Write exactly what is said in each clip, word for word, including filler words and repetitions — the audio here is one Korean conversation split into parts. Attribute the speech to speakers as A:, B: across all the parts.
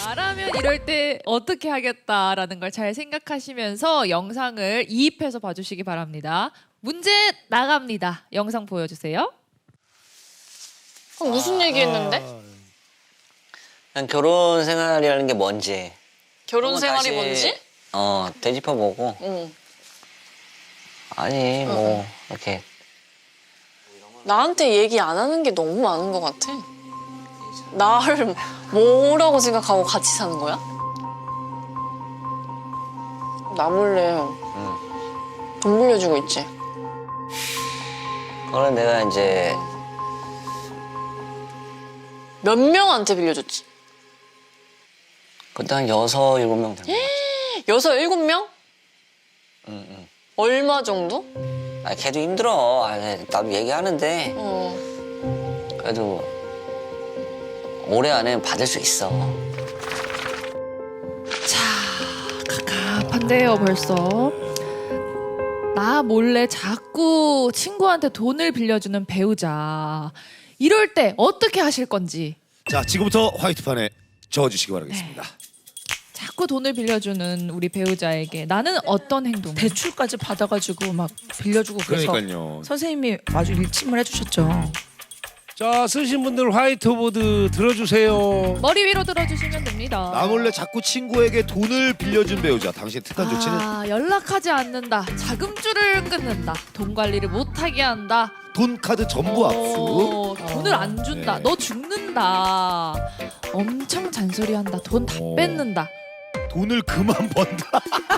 A: 나라면 이럴 때 어떻게 하겠다라는 걸 잘 생각하시면서 영상을 이입해서 봐주시기 바랍니다. 문제 나갑니다. 영상 보여주세요.
B: 그럼 무슨 얘기했는데?
C: 난 결혼 생활이라는 게 뭔지.
B: 결혼
C: 한번
B: 생활이
C: 다시,
B: 뭔지?
C: 어, 되짚어보고.
B: 응.
C: 아니, 뭐, 이렇게.
B: 나한테 얘기 안 하는 게 너무 많은 것 같아. 나를 뭐라고 생각하고 같이 사는 거야? 나 몰래
C: 응.
B: 돈 빌려주고 있지.
C: 그거는 내가 이제
B: 몇 명한테 빌려줬지?
C: 그때 한 여섯, 일곱 명 된거 같아.
B: 여섯, 일곱 명?
C: 응, 응.
B: 얼마 정도?
C: 아, 걔도 힘들어. 아, 나도 얘기하는데.
B: 어.
C: 그래도 올해 안에 받을 수 있어.
A: 자, 갑갑한데요 벌써. 나 몰래 자꾸 친구한테 돈을 빌려주는 배우자. 이럴 때 어떻게 하실 건지.
D: 자, 지금부터 화이트판에 적어주시기 바라겠습니다.
A: 자꾸 돈을 빌려주는 우리 배우자에게 나는 어떤 행동?
E: 대출까지 받아가지고 막 빌려주고 그래서
D: 그러니까요.
E: 선생님이 아주 일침을 해주셨죠.
F: 자, 쓰신 분들 화이트보드 들어주세요.
A: 머리 위로 들어주시면 됩니다.
D: 나 몰래 자꾸 친구에게 돈을 빌려준 배우자. 당신의 특단 조치는
A: 아, 연락하지 않는다. 자금줄을 끊는다. 돈 관리를 못하게 한다.
D: 돈 카드 전부 압수.
A: 어, 돈을 안 준다.
D: 네.
A: 너 죽는다. 엄청 잔소리한다. 돈 다
D: 어.
A: 뺏는다.
D: 돈을 그만 번다.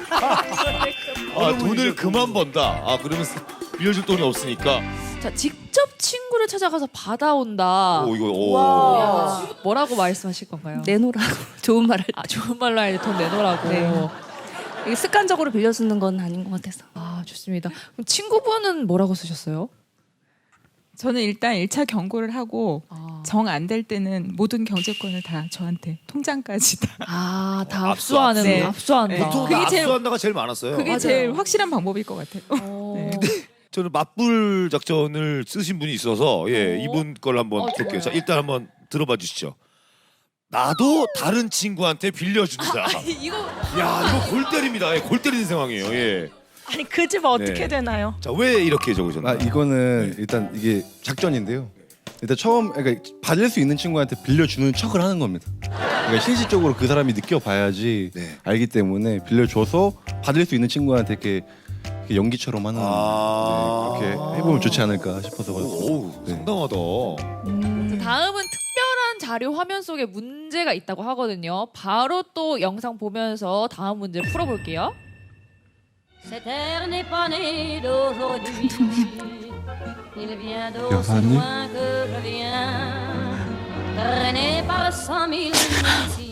D: 아, 돈을 그만 번다. 아, 그러면 빌려줄 돈이 없으니까.
A: 자, 직접 친구를 찾아가서 받아온다.
D: 오, 이거 오.
A: 야, 뭐라고 말씀하실 건가요?
E: 내놓으라고 좋은 말을.
A: 아, 좋은 말로 해야지 돈 내놓으라고.
E: 네. 이게 습관적으로 빌려주는 건 아닌 것 같아서.
A: 아, 좋습니다. 그럼 친구분은 뭐라고 쓰셨어요?
G: 저는 일단 일 차 경고를 하고
A: 아,
G: 정 안 될 때는 모든 경제권을 다 저한테 통장까지 다.
A: 아, 다
D: 어,
A: 압수하는,
G: 네.
A: 압수한다.
D: 보통
G: 그게
D: 다
G: 제일-
D: 압수한다가 제일 많았어요.
G: 그게
A: 맞아요.
G: 제일 확실한 방법일 것 같아요.
A: 어.
G: 네.
D: 저는 맞불 작전을 쓰신 분이 있어서 예,
A: 어?
D: 이분 걸 한번
A: 어,
D: 볼게요.
A: 좋아요.
D: 자, 일단 한번 들어봐 주시죠. 나도 다른 친구한테 빌려준다.
A: 이거
D: 야, 이거 골 때립니다. 예, 골 때리는 상황이에요. 예.
E: 아니 그 집 어떻게
D: 네.
E: 되나요?
D: 자, 왜 이렇게 적으셨나요?
H: 아 이거는 일단 이게 작전인데요. 일단 처음 그러니까 받을 수 있는 친구한테 빌려주는 척을 하는 겁니다. 그러니까 실질적으로 그 사람이 느껴봐야지
D: 네.
H: 알기 때문에 빌려줘서 받을 수 있는 친구한테 이렇게, 이렇게 연기처럼 하는
D: 아.
H: 네, 그렇게 해보면 좋지 않을까 싶어서
D: 오,
H: 네.
D: 상당하다.
A: 자, 다음은 특별한 자료 화면 속에 문제가 있다고 하거든요. 바로 또 영상 보면서 다음 문제 풀어볼게요.
I: Cette terre n'est pas née d'aujourd'hui. Il vient d'aussi
H: 여사님?
I: loin que je viens, traîné par cent mille ici.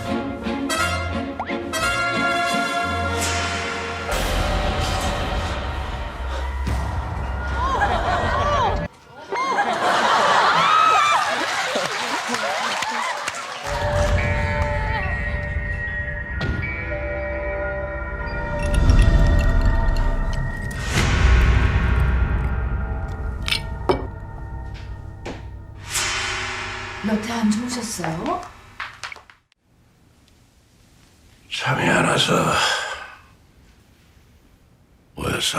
A: 여태 안 주무셨어요?
F: 잠이 안 와서 왜서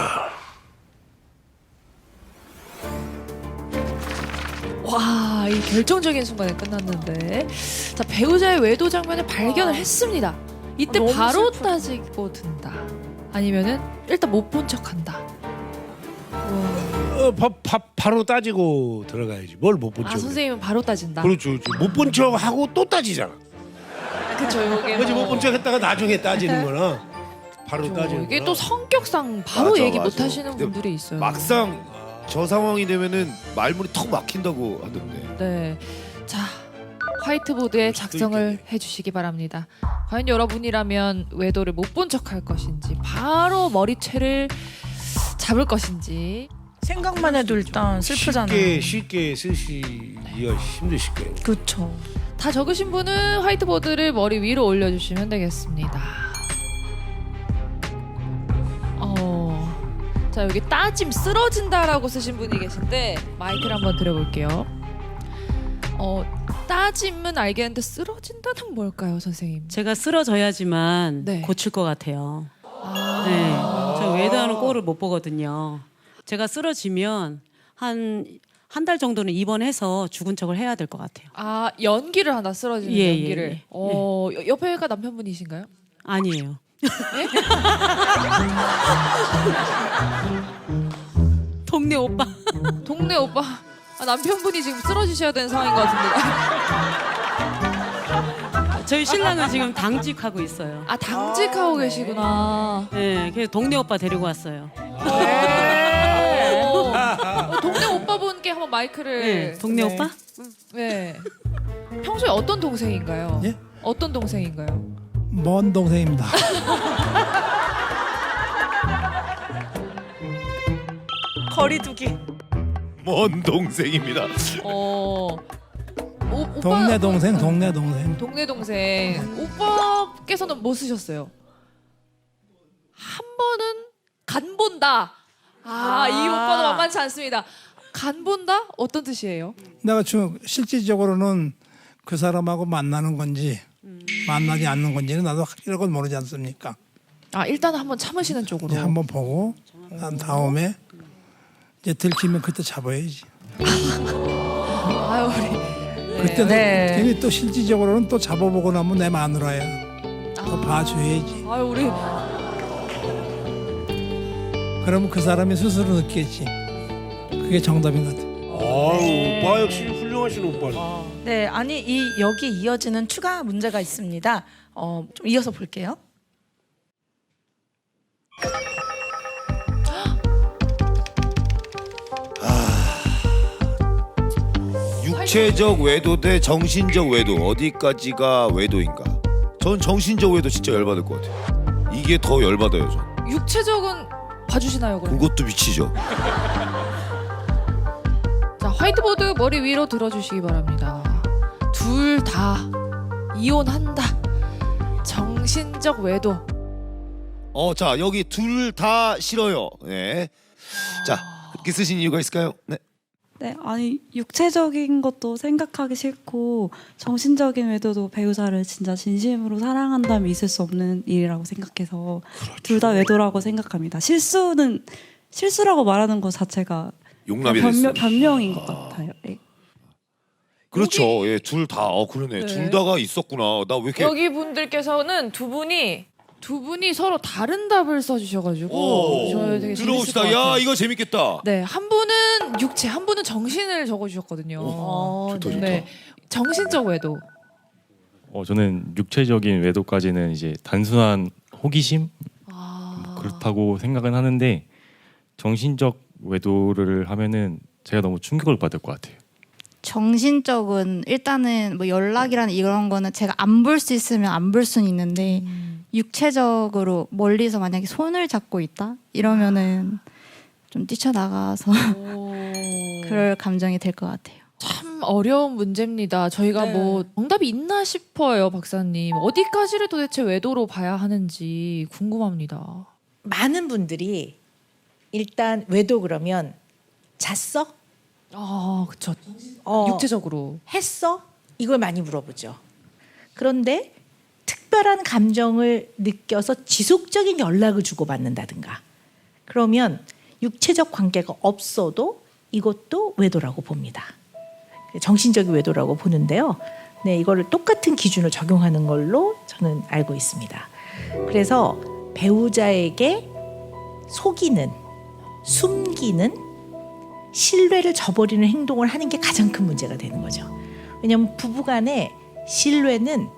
A: 와, 이 결정적인 순간에 끝났는데. 자, 배우자의 외도 장면을 발견을 했습니다. 이때
E: 아, 너무
A: 바로
E: 슬프다.
A: 따지고 든다. 아니면은 일단 못 본 척한다.
F: 어, 바, 바, 바로 따지고 들어가야지. 뭘 못 본 척.
A: 아, 선생님은 바로 따진다.
F: 그렇죠. 못 본 척 하고 또 따지잖아.
A: 그쵸, 이게
F: 그렇지,
A: 뭐-
F: 못 본 척 했다가 나중에 따지는 거나 바로
A: 그쵸,
F: 따지는
A: 이게
F: 거나.
A: 또 성격상 바로
D: 맞아,
A: 얘기
D: 맞아.
A: 못 하시는
D: 근데
A: 분들이 있어요.
D: 막상 저 상황이 되면은 말문이 턱 막힌다고 하던데.
A: 네. 자, 화이트보드에
D: 수도
A: 작성을
D: 있겠네.
A: 해주시기 바랍니다. 과연 여러분이라면 외도를 못 본 척할 것인지, 바로 머리채를 잡을 것인지.
E: 생각만 해도 일단 슬프잖아요.
F: 쉽게 쉽게 쓰시기가 힘드실 거예요.
E: 그렇죠.
A: 다 적으신 분은 화이트보드를 머리 위로 올려주시면 되겠습니다. 어, 자, 여기 따짐 쓰러진다라고 쓰신 분이 계신데 마이크를 한번 드려볼게요. 어, 따짐은 알겠는데 쓰러진다는 뭘까요, 선생님?
J: 제가 쓰러져야지만
A: 네.
J: 고칠 것 같아요.
A: 아.
J: 네, 저 외도하는 꼴을 못 보거든요. 제가 쓰러지면 한 한 달 정도는 입원해서 죽은 척을 해야 될 것 같아요.
A: 아, 연기를 하나 쓰러지는
J: 예, 예,
A: 연기를.
J: 예.
A: 어, 여- 옆에가 남편분이신가요?
J: 아니에요. 동네 오빠.
A: 동네 오빠. 아, 남편분이 지금 쓰러지셔야 되는 상황인 것 같은데.
J: 저희 신랑은 지금 당직하고 있어요.
A: 아, 당직하고 계시구나.
J: 네, 그래서 동네 오빠 데리고 왔어요.
A: 네. 어, 어, 동네 오빠분께 한번 마이크를.
J: 네, 동네
A: 네.
J: 오빠?
A: 네. 평소에 어떤 동생인가요?
K: 예?
A: 어떤 동생인가요?
K: 먼 동생입니다.
E: 거리두기.
D: 먼 동생입니다.
A: 어. 오, 오빠,
K: 동네 동생, 동네 동생.
A: 동네 동생. 오빠께서는 뭐 쓰셨어요? 한 번은 간 본다. 아, 이 오빠도 만만치 않습니다. 간 본다? 어떤 뜻이에요?
K: 내가 지금 실질적으로는 그 사람하고 만나는 건지 만나지 않는 건지는 나도 확실하게 모르지 않습니까?
A: 아, 일단 한번 참으시는 쪽으로.
K: 이제 한번 보고 난 다음에 이제 들키면 그때 잡아야지.
A: 아유, 우리.
K: 그때도
A: 네.
K: 괜히 또 실질적으로는 또 잡아보고 나면 내 마누라야. 또 봐줘야지.
A: 아유, 우리.
K: 그러면 그 사람이 스스로 느끼겠지. 그게 정답인 것 같아.
F: 아유, 오빠 역시 훌륭하신 오빠네.
E: 네, 아니 이 여기에 이어지는 추가 문제가 있습니다. 어, 좀 이어서 볼게요.
D: 육체적 외도 대 정신적 외도 어디까지가 외도인가? 전 정신적 외도 진짜 열받을 것 같아요. 이게 더 열받아요, 전.
A: 육체적은 봐주시나요, 그럼?
D: 그것도 미치죠.
A: 자, 화이트보드 머리 위로 들어주시기 바랍니다. 둘 다 이혼한다. 정신적 외도.
D: 어, 자 여기 둘 다 싫어요. 네. 자 그렇게 쓰신 이유가 있을까요? 네.
L: 네, 아니 육체적인 것도 생각하기 싫고 정신적인 외도도 배우자를 진짜 진심으로 사랑한다면 있을 수 없는 일이라고 생각해서 둘 다 외도라고 생각합니다. 실수는 실수라고 말하는 것 자체가
D: 용납이
L: 변명,
D: 됐어요.
L: 변명인 것 같아요. 네.
D: 그렇죠. 예, 둘 다. 어, 그러네.
A: 네.
D: 둘 다가 있었구나. 나 왜 이렇게
A: 여기 분들께서는 두 분이 두 분이 서로 다른 답을 써주셔가지고
D: 오,
A: 저 되게 재밌을
D: 들어봅시다.
A: 것
D: 야,
A: 같아요.
D: 이거 재밌겠다.
A: 네, 한 분은 육체, 한 분은 정신을 적어주셨거든요.
D: 오, 좋다, 좋다.
A: 네, 정신적 외도.
M: 어, 저는 육체적인 외도까지는 이제 단순한 호기심
A: 아,
M: 뭐 그렇다고 생각은 하는데 정신적 외도를 하면은 제가 너무 충격을 받을 것 같아요.
N: 정신적은 일단은 뭐 연락이라는 이런 거는 제가 안 볼 수 있으면 안 볼 수는 있는데
A: 음.
N: 육체적으로 멀리서 만약에 손을 잡고 있다 이러면은 좀 뛰쳐나가서 그럴 감정이 될 것 같아요.
A: 참 어려운 문제입니다. 저희가
E: 네.
A: 뭐 정답이 있나 싶어요, 박사님. 어디까지를 도대체 외도로 봐야 하는지 궁금합니다.
O: 많은 분들이 일단 외도 그러면 잤어?
A: 아, 그쵸.
O: 어,
A: 육체적으로.
O: 했어? 이걸 많이 물어보죠. 그런데 특별한 감정을 느껴서 지속적인 연락을 주고받는다든가 그러면 육체적 관계가 없어도 이것도 외도라고 봅니다. 정신적인 외도라고 보는데요. 네, 이거를 똑같은 기준을 적용하는 걸로 저는 알고 있습니다. 그래서 배우자에게 속이는, 숨기는, 신뢰를 저버리는 행동을 하는 게 가장 큰 문제가 되는 거죠. 왜냐하면 부부간의 신뢰는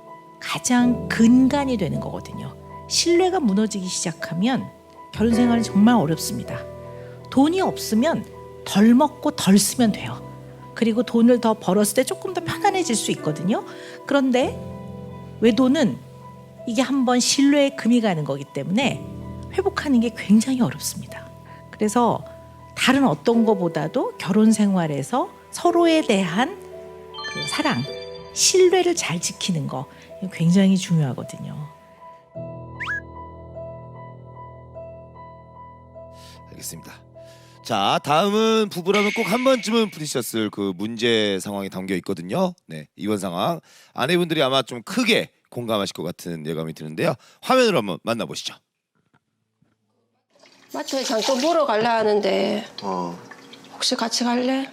O: 가장 근간이 되는 거거든요. 신뢰가 무너지기 시작하면 결혼 생활은 정말 어렵습니다. 돈이 없으면 덜 먹고 덜 쓰면 돼요. 그리고 돈을 더 벌었을 때 조금 더 편안해질 수 있거든요. 그런데 외도는 이게 한번 신뢰에 금이 가는 거기 때문에 회복하는 게 굉장히 어렵습니다. 그래서 다른 어떤 것보다도 결혼 생활에서 서로에 대한 그 사랑, 신뢰를 잘 지키는 거 굉장히 중요하거든요.
D: 알겠습니다. 자, 다음은 부부라면 꼭 한 번쯤은 부딪혔을 그 문제 상황이 담겨 있거든요. 네, 이번 상황 아내분들이 아마 좀 크게 공감하실 것 같은 예감이 드는데요. 화면으로 한번 만나보시죠.
P: 마트에 잠깐 보러 갈라 하는데
Q: 어.
P: 혹시 같이 갈래?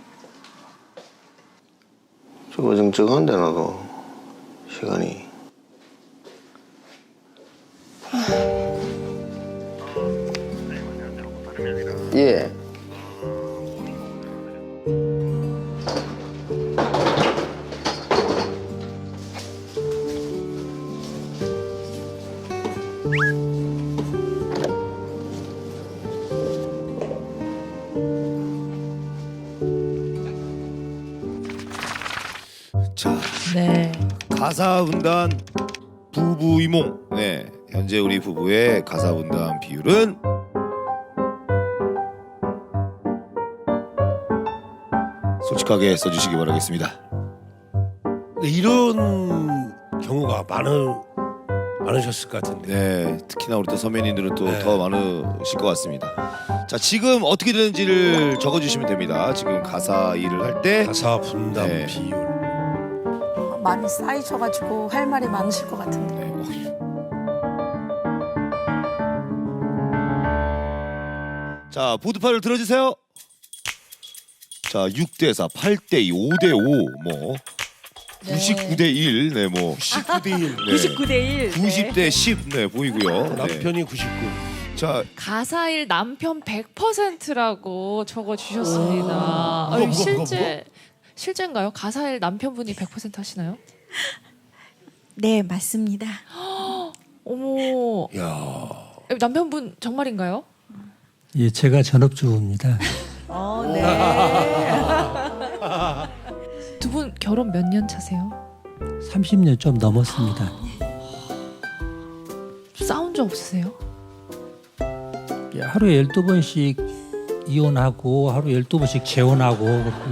Q: 좀 어정쩡한데 나도 시간이.
C: 예.
D: 자,
O: 네.
D: 가사 분담 부부 이몽. 네, 현재 우리 부부의 가사 분담 비율은 솔직하게 써주시기 바라겠습니다.
F: 이런 경우가 많은 많으셨을 것 같은데.
D: 네, 특히나 우리 또 선배님들은 또
F: 네.
D: 더 많으실 것 같습니다. 자, 지금 어떻게 되는지를 적어주시면 됩니다. 지금 가사 일을 할 때
F: 가사 분담
D: 네.
F: 비율.
E: 많이 쌓이셔가지고 할 말이 많으실 것 같은데.
D: 자, 보드판을 들어주세요. 자, 육 대 사, 팔 대 이, 오 대 오, 뭐 구십구 대 일, 네, 뭐
F: 구십구 대 일.
D: 네.
O: 구십구 대 일.
D: 구십 대 십, 네, 보이고요.
F: 남편이 구십구.
D: 자,
A: 가사일 남편 백 퍼센트라고 적어주셨습니다.
F: 오.
A: 아니,
F: 무거, 무거,
A: 실제 실제인가요? 가사일 남편분이 백 퍼센트 하시나요?
O: 네, 맞습니다.
A: 어머,
F: 야.
A: 남편분 정말인가요?
R: 예, 제가 전업주부입니다.
O: 어, 네.
A: 두 분 결혼 몇 년 차세요?
R: 삼십 년 좀 넘었습니다.
A: 싸운 적 없으세요?
R: 예, 하루에 열두 번씩 이혼하고 하루 열두 번씩 재혼하고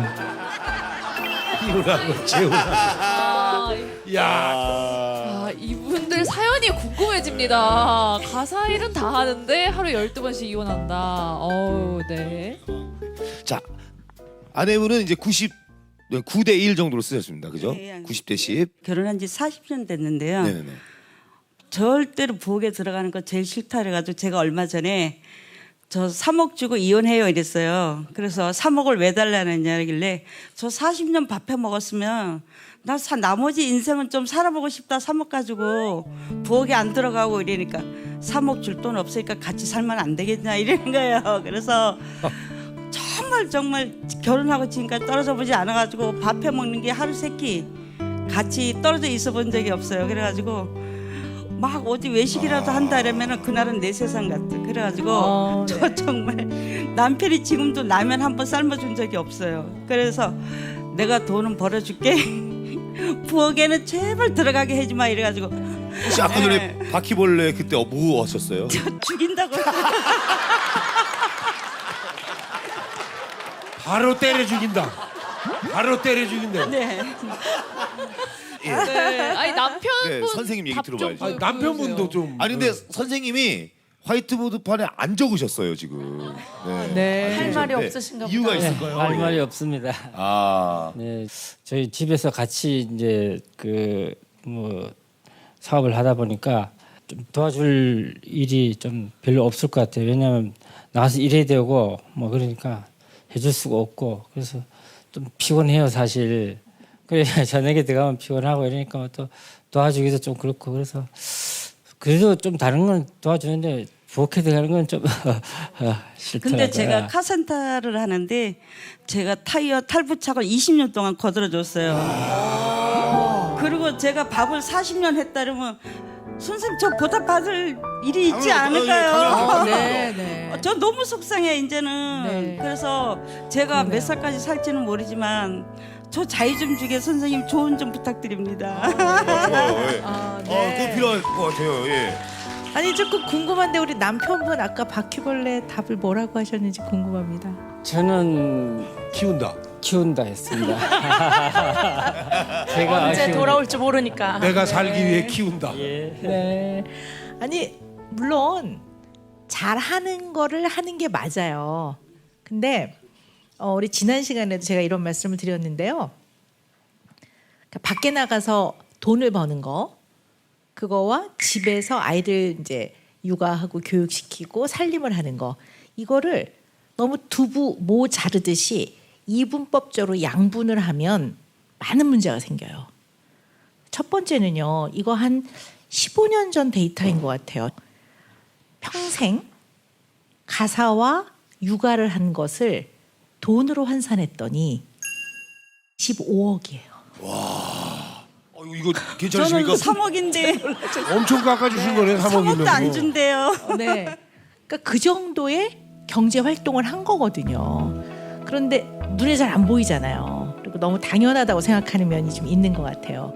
F: 이혼하고 재혼하고. 야.
A: 아, 이분들 사연이 궁금해집니다. 가사일은 다 하는데 하루 열두 번씩 이혼한다. 어우, 네.
D: 자, 아내분은 이제 구십구 대 일 정도로 쓰셨습니다. 그죠?
S: 네,
D: 구십 대 십.
S: 결혼한 지 사십 년 됐는데요.
D: 네네네.
S: 절대로 부엌에 들어가는 거 제일 싫다 그래가지고 제가 얼마 전에 저 삼억 주고 이혼해요 이랬어요. 그래서 삼억을 왜 달라는 얘기길래 저 사십 년 밥해 먹었으면 나 사, 나머지 인생은 좀 살아보고 싶다. 삼억 가지고 부엌에 안 들어가고 이러니까 삼억 줄 돈 없으니까 같이 살면 안 되겠냐 이러는 거예요. 그래서 정말 정말 결혼하고 지금까지 떨어져 보지 않아가지고 밥해 먹는 게 하루 세끼 같이 떨어져 있어 본 적이 없어요. 그래가지고 막 어디 외식이라도 한다 이러면은 그날은 내 세상 같아. 그래가지고
O: 어, 네.
S: 저 정말 남편이 지금도 라면 한 번 삶아준 적이 없어요. 그래서 내가 돈은 벌어줄게. 부엌에는 제발 들어가게 해지 마 이래가지고
D: 혹시 아까 전에 바퀴벌레 그때 뭐 하셨어요?
S: 죽인다고.
F: 바로 때려 죽인다. 바로 때려 죽인다.
S: 네.
D: 예.
A: 네. 아니 남편분
D: 네, 선생님 얘기
A: 답 좀
D: 들어봐야죠.
A: 보여-
F: 남편분도 좀.
D: 아니 근데 선생님이 화이트보드판에 안 적으셨어요 지금. 네.
A: 네.
D: 안
O: 할 말이
D: 적으셨는데
O: 없으신가 보다.
D: 이유가
O: 네,
D: 있을까요?
T: 할 말이
D: 예.
T: 없습니다.
D: 아,
T: 네, 저희 집에서 같이 이제 그 뭐 사업을 하다 보니까 좀 도와줄 일이 좀 별로 없을 것 같아요. 왜냐하면 나가서 일해야 되고 뭐 그러니까 해줄 수가 없고 그래서 좀 피곤해요 사실. 그래 저녁에 들어가면 피곤하고 이러니까 또 도와주기도 좀 그렇고 그래서 그래도 좀 다른 건 도와주는데 부엌에 들어가는 건 좀 싫더라고요.
S: 근데 제가 카센터를 하는데 제가 타이어 탈부착을 이십 년 동안 거들어줬어요. 그리고 제가 밥을 사십 년 했다 그러면 선생님 저 보답받을 일이 있지 않을까요?
A: 네, 네.
S: 저 너무 속상해 이제는.
A: 네.
S: 그래서 제가
A: 그러네요.
S: 몇 살까지 살지는 모르지만 저 자유 좀 주게 선생님 조언 좀 부탁드립니다.
D: 좋아요. 예.
O: 아,
D: 어, 그거 필요할 것 같아요. 예.
O: 아니 조금 궁금한데 우리 남편분 아까 바퀴벌레 답을 뭐라고 하셨는지 궁금합니다.
T: 저는
F: 키운다.
T: 키운다 했습니다. 제가
O: 언제
T: 키운-
O: 돌아올지 모르니까.
F: 내가 살기 위해 키운다.
T: 예.
O: 네. 아니 물론 잘하는 거를 하는 게 맞아요. 근데 어, 우리 지난 시간에도 제가 이런 말씀을 드렸는데요. 그러니까 밖에 나가서 돈을 버는 거, 그거와 집에서 아이들 이제 육아하고 교육시키고 살림을 하는 거, 이거를 너무 두부 모 자르듯이 이분법적으로 양분을 하면 많은 문제가 생겨요. 첫 번째는요, 이거 한 십오 년 전 데이터인 것 같아요. 평생 가사와 육아를 한 것을 돈으로 환산했더니 십오억이에요.
F: 와, 어, 이거 괜찮으십니까?
S: 저는 삼억인데
F: 엄청 깎아주신 거네, 삼억이면.
S: 삼억도 안 준대요.
O: 네. 그러니까 그 정도의 경제 활동을 한 거거든요. 그런데 눈에 잘 안 보이잖아요. 그리고 너무 당연하다고 생각하는 면이 좀 있는 것 같아요.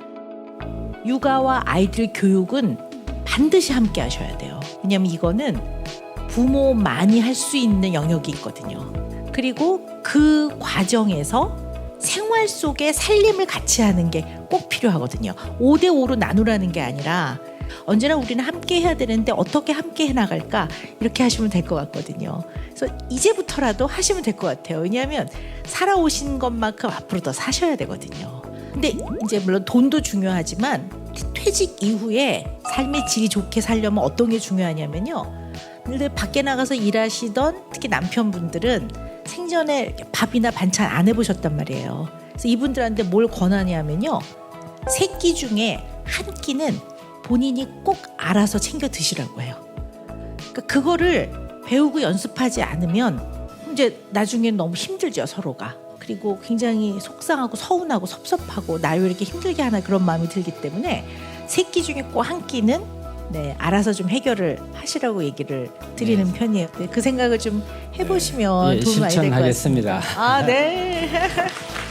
O: 육아와 아이들 교육은 반드시 함께 하셔야 돼요. 왜냐하면 이거는 부모만이 할 수 있는 영역이 있거든요. 그리고 그 과정에서 생활 속에 살림을 같이 하는 게 꼭 필요하거든요. 오 대 오로 나누라는 게 아니라 언제나 우리는 함께 해야 되는데 어떻게 함께 해나갈까, 이렇게 하시면 될 것 같거든요. 그래서 이제부터라도 하시면 될 것 같아요. 왜냐하면 살아오신 것만큼 앞으로 더 사셔야 되거든요. 근데 이제 물론 돈도 중요하지만 퇴직 이후에 삶의 질이 좋게 살려면 어떤 게 중요하냐면요. 근데 밖에 나가서 일하시던 특히 남편분들은 생전에 밥이나 반찬 안 해보셨단 말이에요. 그래서 이분들한테 뭘 권하냐면요. 세 끼 중에 한 끼는 본인이 꼭 알아서 챙겨 드시라고 해요. 그러니까 그거를 배우고 연습하지 않으면 이제 나중에 너무 힘들죠, 서로가. 그리고 굉장히 속상하고 서운하고 섭섭하고 나 왜 이렇게 힘들게 하나, 그런 마음이 들기 때문에 세 끼 중에 꼭 한 끼는 네, 알아서 좀 해결을 하시라고 얘기를 드리는 네. 편이에요. 네, 그 생각을 좀 해보시면
T: 예,
O: 도움이 많이 될 것 같습니다.
T: 실천하겠습니다.
O: 아, 네.